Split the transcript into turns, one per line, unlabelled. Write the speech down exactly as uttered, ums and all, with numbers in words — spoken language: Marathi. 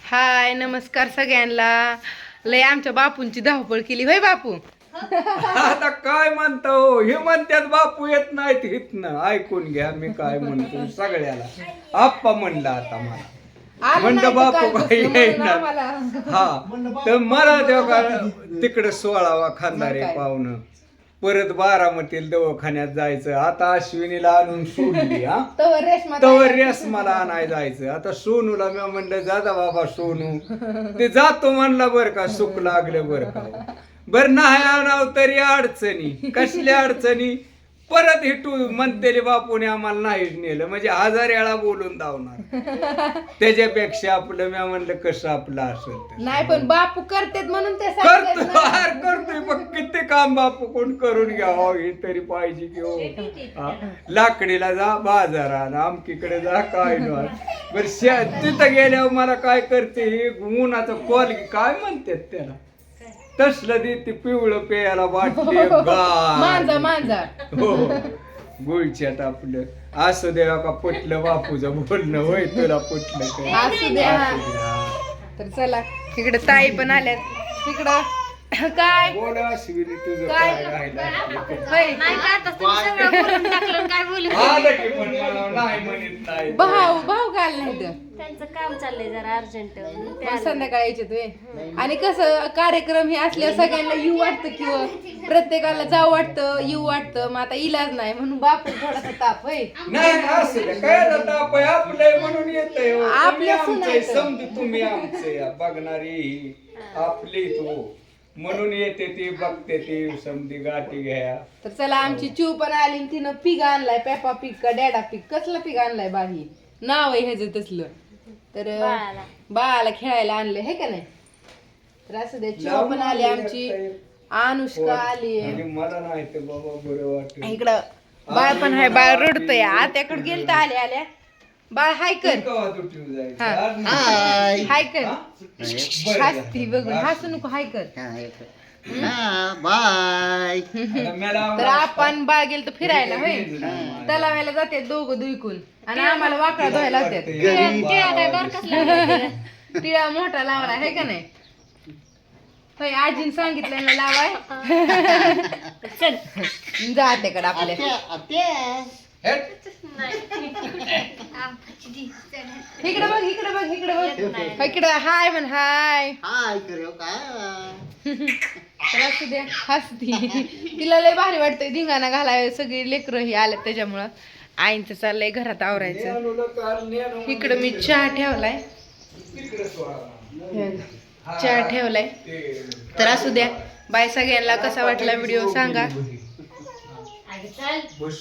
हाय नमस्कार सगळ्यांना. लय आमच्या बापूंची धावपळ केली होय बापू.
आता काय म्हणतो हो? हे म्हणतात बापू येत नाहीत हितनं. ऐकून घ्या मी काय म्हणतो सगळ्याला. आप्पा म्हणलं आता मला म्हणलं बापू काय येणार. हा तर मला तेव्हा तिकडे सोळावा खानदारी पाहुणं परत बारामतीला दवाखान्यात जायचं. आता अश्विनीला आणून सोडली. हा तवर रेशमाला आणाय जायचं. आता सोनूला मी म्हणलं जाता बाबा सोनू. ते जातो म्हणला बर का सुख लागलं बर का. बर नाही आणाव तरी अडचणी. कसल्या अडचणी परत हिटू म्हणतेले बापूने आम्हाला नाहीच नेलं म्हणजे हजार वेळा बोलून धावणार. त्याच्यापेक्षा आपलं मी म्हणलं कसं आपलं असेल
नाही पण बापू करतेत म्हणून ते
करतो करतोय पण किती काम बापू कोण करून घ्यावं हे तरी पाहिजे की हो. लाकडीला जा बाजारात आमकीकडे जा काय नाही. बरं तिथं गेल्यावर मला काय करते हे उन्हाचं कॉल काय म्हणतात त्याला तसलं देते पिवळं पेयाला वाटते
मांजा मांजा
हो गुळच्यात आपलं असं देवा का पटलं बापूचं बोलणं होय तुला पटलं
असू द्या. तर चला इकडे ताई पण आल्यात. इकडं काय
बोला अश्विनी तुझं काय राहिलं आलं की पण मला नाही म्हणत नाही.
भाऊ भाऊ घाल नाही तर
त्यांचं काम चाललंय जरा अर्जंट
संध्याकाळी यायचे तुम्ही. आणि कसं कार्यक्रम हे असल्यावर सगळ्यांना येऊ वाटतं किंवा प्रत्येकाला जाऊ वाटतं येऊ वाटतं. मग आता इलाज नाही म्हणून बापू थोडासा ताप होय
नाही असं नाही. काय जातं आपण आपलं म्हणून येतंय हो. तुम्ही
आपलं
आमचंय समजू तुम्ही आमचे बघणारी आपली तो म्हणून येते ती बघते ती समधी गाठी घ्या.
तर चला आमची चिव पण आली तिनं पीक आणलाय. पेपा पीक का डॅडा पीक कसलं पीक आणलाय बाही नाव आहे ह्याचं तसलं. तर बाळाला खेळायला आणलंय हे का नाही. तर असं दे चिव पण आली आमची अनुष्का आली.
मला नाही ते बाबा बरं वाटत.
इकडं बाळ पण आहे. बाळ रडतय आत्याकडे गेल तर आल्या आल्या बाळ हाय कर हाय कर हसती बघून हसू नको हाय कर.
बाय.
तर आपण बाळ गेल तर फिरायला होय तलावायला जाते दोघं दुईकून आणि आम्हाला वाकडा धुवायला होत्यात. टिळा मोठा लावला आहे का नाही होय आजीने सांगितलं ना लावाय. जा आत्याकडे आपल्या इकडे बघ इकडे बघ इकडे बघ इकडे हाय म्हण हाय
हाय करू का.
तर असू द्या हसती. तिला लय भारी वाटतंय धिंगाणा घालाय. सगळी लेकरं ही आल्यात त्याच्यामुळं आईंचं चाललंय घरात आवरायचं. इकडं मी चहा ठेवलाय चहा ठेवलाय. तर असू द्या बाय सगळ्यांना. कसा वाटला व्हिडिओ सांगा.